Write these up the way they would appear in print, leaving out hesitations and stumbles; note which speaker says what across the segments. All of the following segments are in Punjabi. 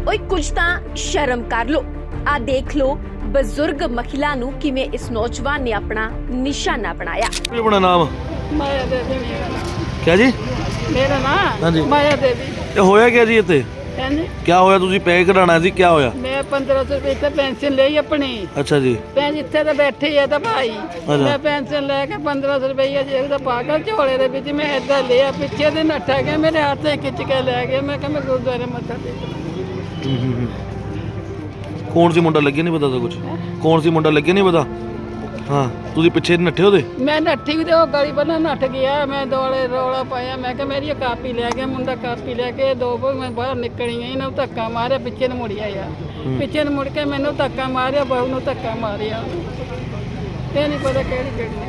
Speaker 1: ਓਏ ਕੁਝ ਤਾਂ ਸ਼ਰਮ ਕਰ ਲੋ। ਆ ਦੇਖ ਲੋ ਬਜ਼ੁਰਗ ਮਹਿਲਾ ਨੂੰ ਕਿਵੇਂ ਇਸ ਨੌਜਵਾਨ ਨੇ ਆਪਣਾ ਨਿਸ਼ਾਨਾ ਬਣਾਇਆ।
Speaker 2: ਕੀ ਆਪਣਾ ਨਾਮ?
Speaker 3: ਮਾਇਆ ਦੇवी मेरा नाम।
Speaker 2: क्या जी?
Speaker 3: मेरा
Speaker 2: हाँ
Speaker 3: नाम
Speaker 2: जी।
Speaker 3: माया देवी।
Speaker 2: ਇਹ ਹੋਇਆ क्या जी ਇੱਥੇ?
Speaker 3: हैं जी।
Speaker 2: क्या ਹੋਇਆ? ਤੁਸੀਂ ਪੈਸੇ ਕਢਾਣਾ ਸੀ, क्या ਹੋਇਆ?
Speaker 3: मैं 1500 रुपए ਤੇ ਪੈਨਸ਼ਨ ਲਈ ਆਪਣੀ।
Speaker 2: ਅੱਛਾ ਜੀ।
Speaker 3: ਭੈਣ ਜਿੱਥੇ ਤੇ ਬੈਠੀ ਆ ਤਾਂ ਭਾਈ ਮੈਂ ਪੈਨਸ਼ਨ ਲੈ ਕੇ 1500 ਰੁਪਏ ਜੇਬ ਦਾ ਪਾਗਲ ਝੋਲੇ ਦੇ ਵਿੱਚ ਮੈਂ ਏਦਾਂ ਲਿਆ, ਪਿੱਛੇ ਦੇ ਨੱਠਾ ਗਿਆ, ਮੇਰੇ ਹੱਥ ਤੇ ਖਿੱਚ ਕੇ ਲੈ ਗਿਆ। ਮੈਂ ਕਿਹਾ ਮੈਂ ਗੁਰਦੁਆਰੇ ਮੱਥਾ ਟੇਕਣਾ।
Speaker 2: ਕੌਣ ਸੀ ਮੁੰਡਾ? ਲੱਗਿਆ ਨਹੀਂ ਪਤਾ ਤਾਂ ਕੁਝ? ਕੌਣ ਸੀ ਮੁੰਡਾ? ਲੱਗਿਆ ਨਹੀਂ ਪਤਾ। ਹਾਂ, ਤੁਸੀਂ ਪਿੱਛੇ ਨੱਠੇ ਉਹਦੇ?
Speaker 3: ਮੈਂ ਨੱਠੀ ਵੀ ਤੇ ਉਹ ਗਲੀ ਬੰਨਾ ਨੱਠ ਗਿਆ। ਮੈਂ ਦੌੜੇ ਰੌਲਾ ਪਾਇਆ, ਮੈਂ ਕਿਹਾ ਮੇਰੀ ਕਾਪੀ ਲੈ ਗਿਆ ਮੁੰਡਾ। ਕਾਪੀ ਲੈ ਕੇ ਦੋ ਵਾਰ ਮੈਂ ਬਾਹਰ ਨਿਕਲੀ ਗਈ ਨਾ, ਧੱਕਾ ਮਾਰਿਆ, ਪਿੱਛੇ ਨੂੰ ਮੁੜਿਆ ਯਾਰ। ਪਿੱਛੇ ਨੂੰ ਮੁੜ ਕੇ ਮੈਨੂੰ ਧੱਕਾ ਮਾਰਿਆ, ਬਹੂ ਨੂੰ ਧੱਕਾ ਮਾਰਿਆ। ਇਹ ਨਹੀਂ ਪਤਾ ਕਿਹੜੀ ਗੱਡੀ।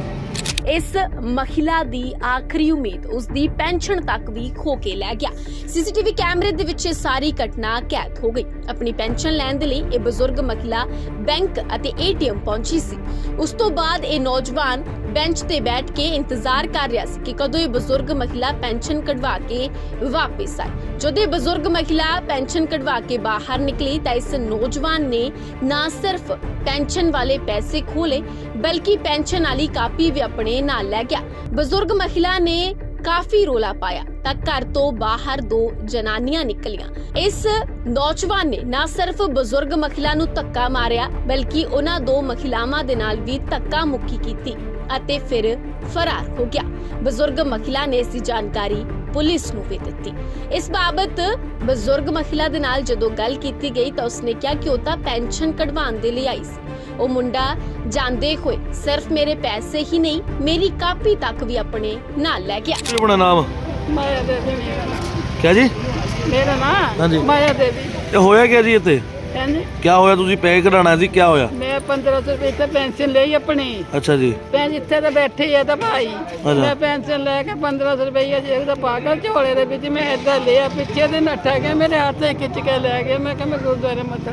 Speaker 1: ਇਸ ਮਹਿਲਾ ਦੀ ਆਖਰੀ ਉਮੀਦ ਉਸ ਦੀ ਪੈਨਸ਼ਨ ਤੱਕ ਵੀ ਖੋ ਕੇ ਲੈ ਗਿਆ। ਸੀਸੀਟੀਵੀ ਕੈਮਰੇ ਦੇ ਵਿੱਚ ਇਹ ਸਾਰੀ ਘਟਨਾ ਕੈਦ ਹੋ ਗਈ। ਆਪਣੀ ਪੈਨਸ਼ਨ ਲੈਣ ਦੇ ਲਈ ਇਹ ਬਜ਼ੁਰਗ ਮਹਿਲਾ ਬੈਂਕ ਅਤੇ ਏਟੀਐਮ ਪਹੁੰਚੀ ਸੀ। ਉਸ ਤੋਂ ਬਾਅਦ ਇਹ ਨੌਜਵਾਨ ਬੈਂਚ ਤੇ ਬੈਠ ਕੇ ਇੰਤਜ਼ਾਰ ਕਰ ਰਿਹਾ ਸੀ ਕਿ ਕਦੋਂ ਇਹ ਬਜ਼ੁਰਗ ਮਹਿਲਾ ਪੈਨਸ਼ਨ ਕਢਵਾ ਕੇ ਵਾਪਸ ਆਏ। ਜਦੋਂ ਇਹ ਬਜ਼ੁਰਗ ਮਹਿਲਾ ਪੈਨਸ਼ਨ ਕਢਵਾ ਕੇ ਬਾਹਰ ਨਿਕਲੀ ਤਾਂ ਇਸ ਨੌਜਵਾਨ ਨੇ ਨਾ ਸਿਰਫ ਪੈਨਸ਼ਨ ਵਾਲੇ ਪੈਸੇ ਖੋਲੇ ਬਲਕਿ ਪੈਨਸ਼ਨ ਵਾਲੀ ਕਾਪੀ ਵੀ ਆਪਣੇ ਨਾਲ ਲੈ ਗਿਆ। ਬਜ਼ੁਰਗ ਮਹਿਲਾ ਨੇ ਕਾਫੀ ਰੋਲਾ ਪਾਇਆ ਤਾਂ ਘਰ ਤੋਂ ਬਾਹਰ ਦੋ ਜਨਾਨੀਆਂ ਨਿਕਲੀਆਂ। ਇਸ ਨੌਜਵਾਨ ਨੇ ਨਾ ਸਿਰਫ ਬਜ਼ੁਰਗ ਮਹਿਲਾ ਨੂੰ ਧੱਕਾ ਮਾਰਿਆ ਬਲਕਿ ਉਹਨਾਂ ਦੋ ਮਹਿਲਾਵਾਂ ਦੇ ਨਾਲ ਵੀ ਧੱਕਾ ਮੁੱਕੀ ਕੀਤੀ ਅਤੇ ਫਿਰ ਫਰਾਰ ਹੋ ਗਿਆ। ਬਜ਼ੁਰਗ ਮਹਿਲਾ ਨੇ ਇਸ ਦੀ ਜਾਣਕਾਰੀ ਪੁਲਿਸ ਨੂੰ ਵੀ ਦਿੱਤੀ। ਇਸ ਬਾਬਤ ਬਜ਼ੁਰਗ ਮਹਿਲਾ ਦੇ ਨਾਲ ਜਦੋਂ ਗੱਲ ਕੀਤੀ ਗਈ ਤਾਂ ਉਸਨੇ ਕਿਹਾ ਕਿ ਉਹ ਤਾਂ ਪੈਨਸ਼ਨ ਕਢਵਾਉਣ ਦੇ ਲਈ ਆਈ ਸੀ। ਉਹ ਮੁੰਡਾ ਜਾਂਦੇ ਹੋਏ ਸਿਰਫ ਮੇਰੇ ਪੈਸੇ ਹੀ ਨਹੀਂ ਮੇਰੀ ਕਾਪੀ ਤੱਕ ਵੀ ਆਪਣੇ ਨਾਲ ਲੈ ਗਿਆ।
Speaker 2: ਕੀ ਆਪਣਾ ਨਾਮ?
Speaker 3: ਮਾਇਆ ਦੇवी मेरा नाम।
Speaker 2: क्या जी?
Speaker 3: ਮੇਰਾ
Speaker 2: हाँ जी।
Speaker 3: ਨਾਮ ਮਾਇਆ ਦੇवी।
Speaker 2: ਇਹ ਹੋਇਆ क्या ਜੀ ਇੱਥੇ?
Speaker 3: हैं जी।
Speaker 2: क्या ਹੋਇਆ? ਤੁਸੀਂ ਪੈਸੇ ਕਢਾਣਾ ਸੀ, क्या ਹੋਇਆ?
Speaker 3: ਮੈਂ 1500 ਰੁਪਏ ਤੇ ਪੈਨਸ਼ਨ ਲਈ ਆਪਣੀ।
Speaker 2: ਅੱਛਾ ਜੀ।
Speaker 3: ਭੈਣ ਜਿੱਥੇ ਤੇ ਬੈਠੀ ਆ ਤਾਂ ਭਾਈ ਮੈਂ ਪੈਨਸ਼ਨ ਲੈ ਕੇ 1500 ਰੁਪਏ ਜੇਬ ਦਾ ਪਾਗਲ ਝੋਲੇ ਦੇ ਵਿੱਚ ਮੈਂ ਏਦਾਂ ਲਿਆ, ਪਿੱਛੇ ਦੇ ਨੱਠਾ ਗਿਆ, ਮੇਰੇ ਹੱਥ ਤੇ ਖਿੱਚ ਕੇ ਲੈ ਗਿਆ। ਮੈਂ ਕਿਹਾ ਮੈਂ ਗੁਰਦੁਆਰੇ ਮੱਥਾ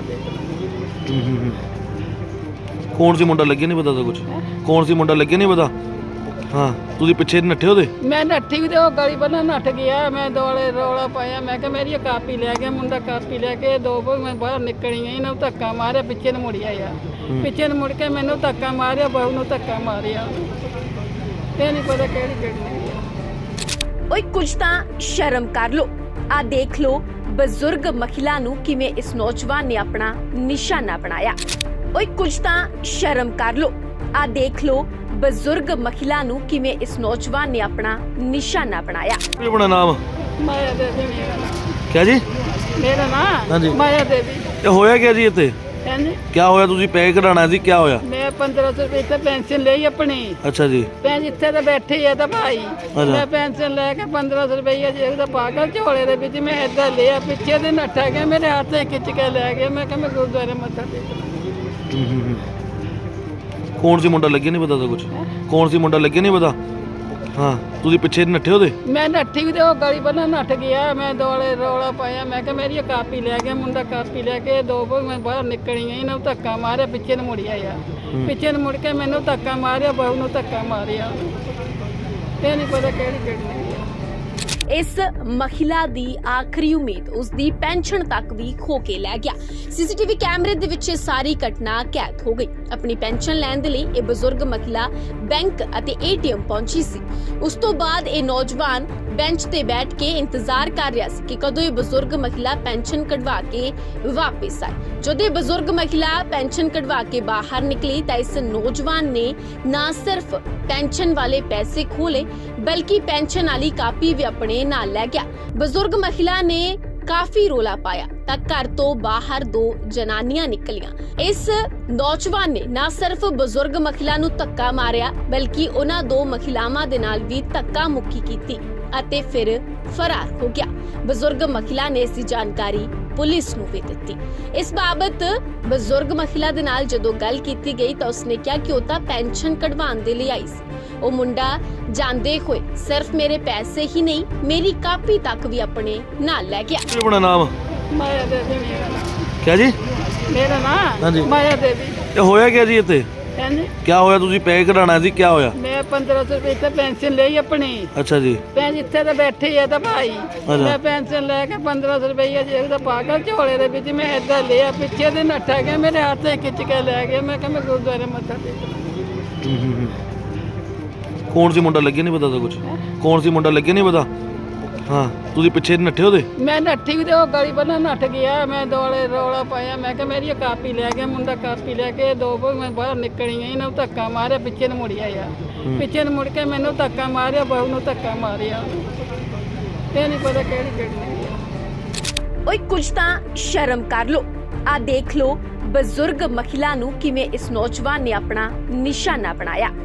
Speaker 3: ਟੇਕਣਾ।
Speaker 2: ਕੌਣ ਸੀ ਮੁੰਡਾ? ਲੱਗਿਆ ਨਹੀਂ ਪਤਾ ਤਾਂ ਕੁਝ? ਕੌਣ ਸੀ ਮੁੰਡਾ? ਲੱਗਿਆ ਨਹੀਂ ਪਤਾ। ਹਾਂ, ਤੁਸੀਂ ਪਿੱਛੇ ਨੱਠੇ ਉਹਦੇ?
Speaker 3: ਮੈਂ ਨੱਠੀ ਵੀ ਤੇ ਉਹ ਗਲੀ ਬੰਨਾ ਨੱਠ ਗਿਆ। ਮੈਂ ਦੌੜੇ ਰੌਲਾ ਪਾਇਆ, ਮੈਂ ਕਿਹਾ ਮੇਰੀ ਕਾਪੀ ਲੈ ਗਿਆ ਮੁੰਡਾ। ਕਾਪੀ ਲੈ ਕੇ ਦੋ ਵਾਰ ਮੈਂ ਬਾਹਰ ਨਿਕਲੀ ਗਈ ਨਾ, ਧੱਕਾ ਮਾਰਿਆ, ਪਿੱਛੇ ਨੂੰ ਮੁੜਿਆ ਯਾਰ। ਪਿੱਛੇ ਨੂੰ ਮੁੜ ਕੇ ਮੈਨੂੰ ਧੱਕਾ ਮਾਰਿਆ, ਬਹੂ ਨੂੰ ਧੱਕਾ ਮਾਰਿਆ। ਇਹ ਨਹੀਂ ਪਤਾ ਕਿਹੜੀ ਗੱਡੀ।
Speaker 1: ਓਏ ਕੁਝ ਤਾਂ ਸ਼ਰਮ ਕਰ ਲੋ। ਆ ਦੇਖ ਲੋ ਬਜ਼ੁਰਗ ਮਹਿਲਾ ਨੂੰ ਕਿਵੇਂ ਇਸ ਨੌਜਵਾਨ ਨੇ ਆਪਣਾ ਨਿਸ਼ਾਨਾ ਬਣਾਇਆ। ਓਏ ਕੁਝ ਤਾਂ ਸ਼ਰਮ ਕਰ ਲੋ। ਆ ਦੇਖ ਲੋ ਬਜ਼ੁਰਗ ਮਹਿਲਾ ਨੂੰ ਕਿਵੇਂ ਇਸ ਨੌਜਵਾਨ ਨੇ ਆਪਣਾ ਨਿਸ਼ਾਨਾ ਬਣਾਇਆ।
Speaker 2: ਕੀ ਆਪਣਾ ਨਾਮ?
Speaker 3: ਮਾਇਆ ਦੇवी मेरा नाम।
Speaker 2: क्या जी?
Speaker 3: ਮੇਰਾ
Speaker 2: हाँ जी।
Speaker 3: ਨਾਮ ਮਾਇਆ ਦੇवी।
Speaker 2: ਇਹ ਹੋਇਆ क्या ਜੀ ਇੱਥੇ?
Speaker 3: हैं जी।
Speaker 2: क्या ਹੋਇਆ? ਤੁਸੀਂ ਪੈਸੇ ਕਢਾਣਾ ਸੀ, क्या ਹੋਇਆ?
Speaker 3: ਮੈਂ 1500 ਰੁਪਏ ਤੇ ਪੈਨਸ਼ਨ ਲਈ ਆਪਣੀ।
Speaker 2: ਅੱਛਾ ਜੀ।
Speaker 3: ਭੈਣ ਜਿੱਥੇ ਤੇ ਬੈਠੀ ਆ ਤਾਂ ਭਾਈ ਮੈਂ ਪੈਨਸ਼ਨ ਲੈ ਕੇ 1500 ਰੁਪਏ ਜੇਬ ਦਾ ਪਾਗਲ ਝੋਲੇ ਦੇ ਵਿੱਚ ਮੈਂ ਏਦਾਂ ਲਿਆ, ਪਿੱਛੇ ਦੇ ਨੱਠਾ ਗਿਆ, ਮੇਰੇ ਹੱਥ ਤੇ ਖਿੱਚ ਕੇ ਲੈ ਗਿਆ। ਮੈਂ ਕਿਹਾ ਮੈਂ ਗੁਰਦੁਆਰੇ ਮੱਥਾ ਟੇਕਣਾ।
Speaker 2: ਕੌਣ ਸੀ ਮੁੰਡਾ? ਲੱਗਿਆ ਨਹੀਂ ਪਤਾ ਤਾਂ ਕੁਝ? ਕੌਣ ਸੀ ਮੁੰਡਾ? ਲੱਗਿਆ ਨਹੀਂ ਪਤਾ। ਹਾਂ, ਤੁਸੀਂ ਪਿੱਛੇ ਨੱਠੇ ਉਹਦੇ?
Speaker 3: ਮੈਂ ਨੱਠੀ ਵੀ ਤੇ ਉਹ ਗਲੀ ਬੰਨਾ ਨੱਠ ਗਿਆ। ਮੈਂ ਦੌੜੇ ਰੌਲਾ ਪਾਇਆ, ਮੈਂ ਕਿਹਾ ਮੇਰੀ ਕਾਪੀ ਲੈ ਗਿਆ ਮੁੰਡਾ। ਕਾਪੀ ਲੈ ਕੇ ਦੋ ਵਾਰ ਮੈਂ ਬਾਹਰ ਨਿਕਲੀ ਗਈ ਨਾ, ਧੱਕਾ ਮਾਰਿਆ, ਪਿੱਛੇ ਨੂੰ ਮੁੜਿਆ ਯਾਰ। ਪਿੱਛੇ ਨੂੰ ਮੁੜ ਕੇ ਮੈਨੂੰ ਧੱਕਾ ਮਾਰਿਆ, ਬਹੂ ਨੂੰ ਧੱਕਾ ਮਾਰਿਆ। ਇਹ ਨਹੀਂ ਪਤਾ ਕਿਹੜੀ ਗੱਡੀ।
Speaker 1: ਇਸ ਮਹਿਲਾ ਦੀ ਆਖਰੀ ਉਮੀਦ ਉਸ ਦੀ ਪੈਨਸ਼ਨ ਤੱਕ ਵੀ ਖੋ ਕੇ ਲੈ ਗਿਆ। ਸੀਸੀਟੀਵੀ ਕੈਮਰੇ ਦੇ ਵਿੱਚ ਇਹ ਸਾਰੀ ਘਟਨਾ ਕੈਦ ਹੋ ਗਈ। ਆਪਣੀ ਪੈਨਸ਼ਨ ਲੈਣ ਦੇ ਲਈ ਇਹ ਬਜ਼ੁਰਗ ਮਹਿਲਾ ਬੈਂਕ ਅਤੇ ਏਟੀਐਮ ਪਹੁੰਚੀ ਸੀ। ਉਸ ਤੋਂ ਬਾਅਦ ਇਹ ਨੌਜਵਾਨ ਬੈਂਚ ਤੇ ਬੈਠ ਕੇ ਇੰਤਜ਼ਾਰ ਕਰ ਰਿਹਾ ਸੀ ਕਿ ਕਦੋਂ ਇਹ ਬਜ਼ੁਰਗ ਮਹਿਲਾ ਪੈਨਸ਼ਨ ਕਢਵਾ ਕੇ ਵਾਪਸ ਆਏ। ਜਦੋਂ ਇਹ ਬਜ਼ੁਰਗ ਮਹਿਲਾ ਪੈਨਸ਼ਨ ਕਢਵਾ ਕੇ ਬਾਹਰ ਨਿਕਲੀ ਤਾਂ ਇਸ ਨੌਜਵਾਨ ਨੇ ਨਾ ਸਿਰਫ ਪੈਨਸ਼ਨ ਵਾਲੇ ਪੈਸੇ ਖੋਲੇ ਬਲਕਿ ਪੈਨਸ਼ਨ ਵਾਲੀ ਕਾਪੀ ਵੀ ਆਪਣੇ ਨਾਲ ਲੈ ਗਿਆ। ਬਜ਼ੁਰਗ ਮਹਿਲਾ ਨੇ ਕਾਫੀ ਰੋਲਾ ਪਾਇਆ ਤਾਂ ਘਰ ਤੋਂ ਬਾਹਰ ਦੋ ਜਨਾਨੀਆਂ ਨਿਕਲੀਆਂ। ਇਸ ਨੌਜਵਾਨ ਨੇ ਨਾ ਸਿਰਫ ਬਜ਼ੁਰਗ ਮਹਿਲਾ ਨੂੰ ਧੱਕਾ ਮਾਰਿਆ ਬਲਕਿ ਉਹਨਾਂ ਦੋ ਮਹਿਲਾਵਾਂ ਦੇ ਨਾਲ ਵੀ ਧੱਕਾ ਮੁੱਕੀ ਕੀਤੀ ਅਤੇ ਫਿਰ ਫਰਾਰ ਹੋ ਗਿਆ। ਬਜ਼ੁਰਗ ਮਹਿਲਾ ਨੇ ਇਸ ਦੀ ਜਾਣਕਾਰੀ ਪੁਲਿਸ ਨੂੰ ਵੀ ਦਿੱਤੀ। ਇਸ ਬਾਬਤ ਬਜ਼ੁਰਗ ਮਹਿਲਾ ਦੇ ਨਾਲ ਜਦੋਂ ਗੱਲ ਕੀਤੀ ਗਈ ਤਾਂ ਉਸਨੇ ਕਿਹਾ ਕਿ ਉਹ ਤਾਂ ਪੈਨਸ਼ਨ ਕਢਵਾਉਣ ਦੇ ਲਈ ਆਈ ਸੀ। ਉਹ ਮੁੰਡਾ ਜਾਂਦੇ ਹੋਏ ਸਿਰਫ ਮੇਰੇ ਪੈਸੇ ਹੀ ਨਹੀਂ ਮੇਰੀ ਕਾਪੀ ਤੱਕ ਵੀ ਆਪਣੇ ਨਾਲ ਲੈ ਗਿਆ।
Speaker 2: ਕੀ ਆਪਣਾ ਨਾਮ?
Speaker 3: ਮਾਇਆ ਦੇवी मेरा नाम।
Speaker 2: क्या जी?
Speaker 3: ਮੇਰਾ
Speaker 2: हाँ जी।
Speaker 3: ਨਾਮ ਮਾਇਆ ਦੇवी।
Speaker 2: ਇਹ ਹੋਇਆ क्या ਜੀ ਇੱਥੇ?
Speaker 3: ਹਾਂਜੀ
Speaker 2: क्या होया ਤੁਸੀਂ ਪੈਸੇ ਕਢਾਣਾ ਸੀ क्या होया
Speaker 3: ਮੈਂ 1500 ਰੁਪਏ ਤੇ ਪੈਨਸ਼ਨ ਲਈ ਆਪਣੀ
Speaker 2: अच्छा जी
Speaker 3: ਭੈਣ ਜਿੱਥੇ ਤੇ ਬੈਠੇ ਆ ਤਾਂ ਭਾਈ ਮੈਂ ਪੈਨਸ਼ਨ ਲੈ ਕੇ 1500 ਰੁਪਏ ਜੇਬ ਦਾ ਪਾ ਕੇ ਝੋਲੇ ਦੇ ਵਿੱਚ ਮੈਂ ਏਦਾਂ ਲਿਆ ਪਿੱਛੇ ਦੇ ਨੱਠਾ ਗਿਆ ਮੇਰੇ ਹੱਥ ਤੇ ਖਿੱਚ ਕੇ ਲੈ ਗਿਆ ਮੈਂ ਕਿਹਾ ਮੈਂ ਗੁਰਦੁਆਰੇ ਮੱਥਾ ਟੇਕਣਾ
Speaker 2: ਕੌਣ ਸੀ ਮੁੰਡਾ ਲੱਗਿਆ ਨਹੀਂ ਪਤਾ ਤਾਂ ਕੁਝ ਕੌਣ ਸੀ ਮੁੰਡਾ ਲੱਗਿਆ ਨਹੀਂ ਪਤਾ ਹਾਂ ਤੁਸੀਂ ਪਿੱਛੇ ਨੱਠੇ ਉਹਦੇ
Speaker 3: ਮੈਂ ਨੱਠੀ ਵੀ ਤੇ ਉਹ ਗਲੀ ਬੰਨਾ ਨੱਠ ਗਿਆ ਮੈਂ ਦੁਆਲੇ ਰੌਲਾ ਪਾਇਆ ਮੈਂ ਕਿਹਾ ਮੇਰੀ ਇਹ ਕਾਪੀ ਲੈ ਗਿਆ ਮੁੰਡਾ ਕਾਪੀ ਲੈ ਕੇ ਦੋ ਵਾਰ ਮੈਂ ਬਾਹਰ ਨਿਕਲੀ ਗਈ ਨਾ ਧੱਕਾ ਮਾਰਿਆ ਪਿੱਛੇ ਨੂੰ ਮੁੜਿਆ ਆ ਪਿੱਛੇ ਨੂੰ ਮੁੜ ਕੇ ਮੈਨੂੰ ਧੱਕਾ ਮਾਰਿਆ ਬਹੂ ਨੂੰ ਧੱਕਾ ਮਾਰਿਆ ਇਹ ਨਹੀਂ ਪਤਾ ਕਿਹੜੀ ਕਿਹੜੀ ਹੈ।
Speaker 1: ਓਏ ਕੁਝ ਤਾਂ ਸ਼ਰਮ ਕਰ ਲੋ। ਆ ਦੇਖ ਲੋ ਬਜ਼ੁਰਗ ਮਹਿਲਾ ਨੂੰ ਕਿਵੇਂ ਇਸ ਨੌਜਵਾਨ ਨੇ ਆਪਣਾ ਨਿਸ਼ਾਨਾ ਬਣਾਇਆ।